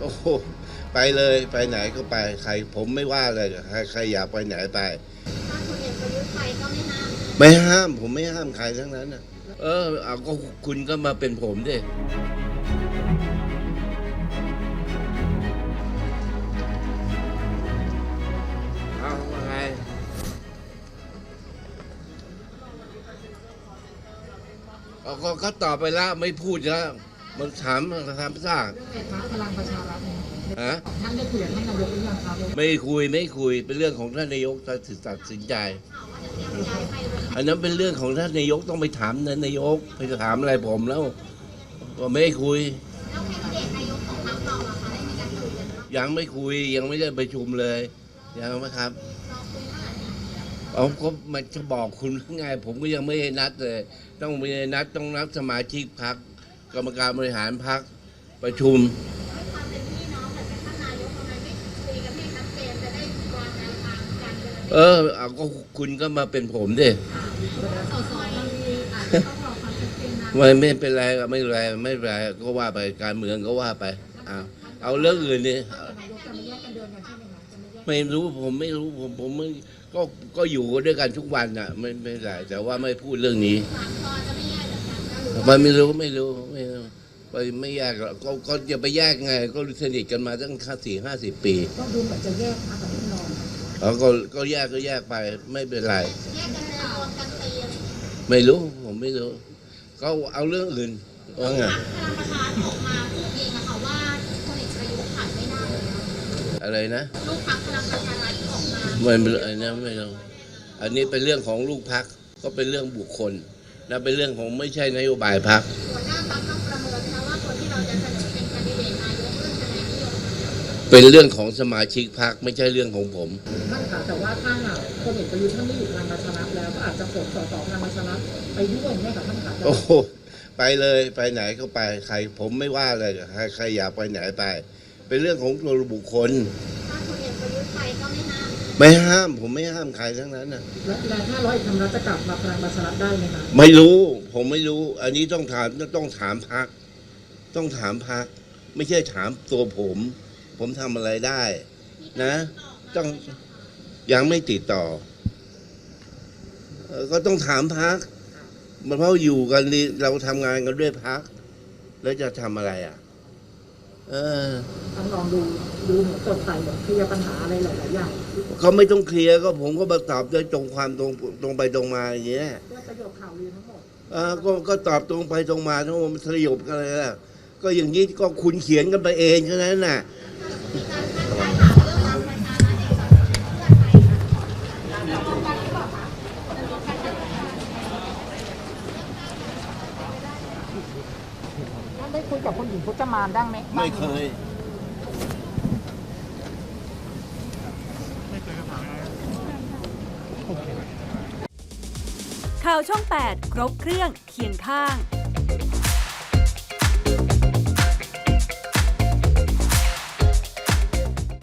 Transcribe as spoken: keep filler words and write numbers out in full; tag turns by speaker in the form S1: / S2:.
S1: โอ้โหไปเลยไปไหนก็ไปใครผมไม่ว่าเลยใครใครอยากไปไหนไป
S2: ถ้าคนเอกประยุทธ์ไปก็ไม่ห้าม
S1: ไม่ห้ามผมไม่ห้ามใครทั้งนั้นนะเออเอาก็คุณก็มาเป็นผมดิเอาว่าไงเอาก็ก็ตอบไปแล้วไม่พูดแล้วมันถามถามซาก
S3: เรื่องไฟฟ้าพลังประชารัฐเนี่ย
S1: ฮะ
S3: ท่านได้คุยกับท่านนายกหรือยังครับ
S1: ไม่คุยไม่คุยเป็นเรื่องของท่านนายกตัดสินใจอันนั้นเป็นเรื่องของท่านนายกต้องไปถามนายกไปถามอะไรผมแล้วก็ไม่คุยยังไม่คุยยังไม่ได้ประชุมเลยยังไหมครับเอาก็มันจะบอกคุณไงผมก็ยังไม่ได้นัดเลยต้องมีนัดต้องนัดสมาชิกพรรคกรรมการบริหารพรรคประชุมเออเอาก็คุณก็มาเป็นผมดิไม่ไม่เป็นไรก็ไม่เป็นไรไม่เป็นไรก็ว่าไปการเมืองก็ว่าไปเอาเอาเรื่องอื่นดิไม่รู้ผมไม่รู้ผมผมไม่ก็ก็อยู่ด้วยกันทุกวันน่ะไม่ไม่เป็นไรแต่ว่าไม่พูดเรื่องนี้มันไม่รู้ไม่รู้ไม่ไปไม่แยกก็ก็จะไปแยกไงก็สนิทกันมาตั้งสี่ห้าสิบปี
S3: ก็ดูเหมือนจะแยกนะกับพี่น้อง
S1: อ๋อก็ก็แยกก็แยกไปไม่เป็นไรไม่รู้ผมไม่รู้ก็เอาเรื่องอื่นว่าไงอะไรนะลูกพรรคพลังประชารัฐออกมาไม่เป็นไรนะไม่รู้อันนี้เป็นเรื่องของลูกพรรคก็เป็นเรื่องบุคคลและเป็นเรื่องของไม่ใช่นโยบายพรรคหัวหน้าพรรคต้องประเมินนะว่าคนที่เราจะเสนอเป็นแคนดิเดตนายกเรื่องคะแนนนิยมเป็นเรื่องของสมาชิกพรรคไม่ใช่เรื่องของผม
S3: ท่านคะแต่ว่าถ้าหากคนเอกประยุทธ์ท่านไม่อยู่พลังประชารัฐแล้วก็อาจจะปลดสสพลังประชารัฐไปด้วยไหมคะท่านคะ
S1: โอ้โหไปเลยไปไหนก็ไปใครผมไม่ว่าเลยใครใครอยากไปไหนไปเป็นเรื่องของตัวบุคคลถ้าคนเอกประยุทธ์ไปก็ไม่ห้ามไม่ห้ามผมไม่ห้ามใครทั้งนั้นนะ
S3: แล้วถ้าร้อยธรรมรัฐจะกลับมาพลังประชารัฐได้ไหมคะ
S1: ไม่รู้ผมไม่รู้อันนี้ต้องถามต้องถามพรรคต้องถามพรรคไม่ใช่ถามตัวผมผมทำอะไรได้นะต้องยังไม่ติดต่อก็ต้องถามพรรคมันเพราะอยู่กันเราทำงานกันด้วยพรรคแล้วจะทำอะไรอ่ะเออ
S3: ต้องลองดูดูเหมือนสดใสเหมือนเคลียร์ปัญหาอะไรหลายๆอย่าง
S1: เขาไม่ต้องเคลียร์ก็ผมก็มาตอบด้วยตรงความตรงตรงไปตรงมาอย่างเงี้ย
S3: ก็ประโยคข่าวลือทั้งหมด
S1: เออก็ก็ตอบตรงไปตรงมาทั้งหมดมันสยบกันเลยล่ะก็อย่างนี้ก็คุณเขียนกันไปเองแค่นั้นน่ะ
S3: ได้คุยกับคุณหญิงพจมานได้ไหม
S1: ไม่เคย
S4: ข่าวช่องแปดครบเครื่องเคียงข้าง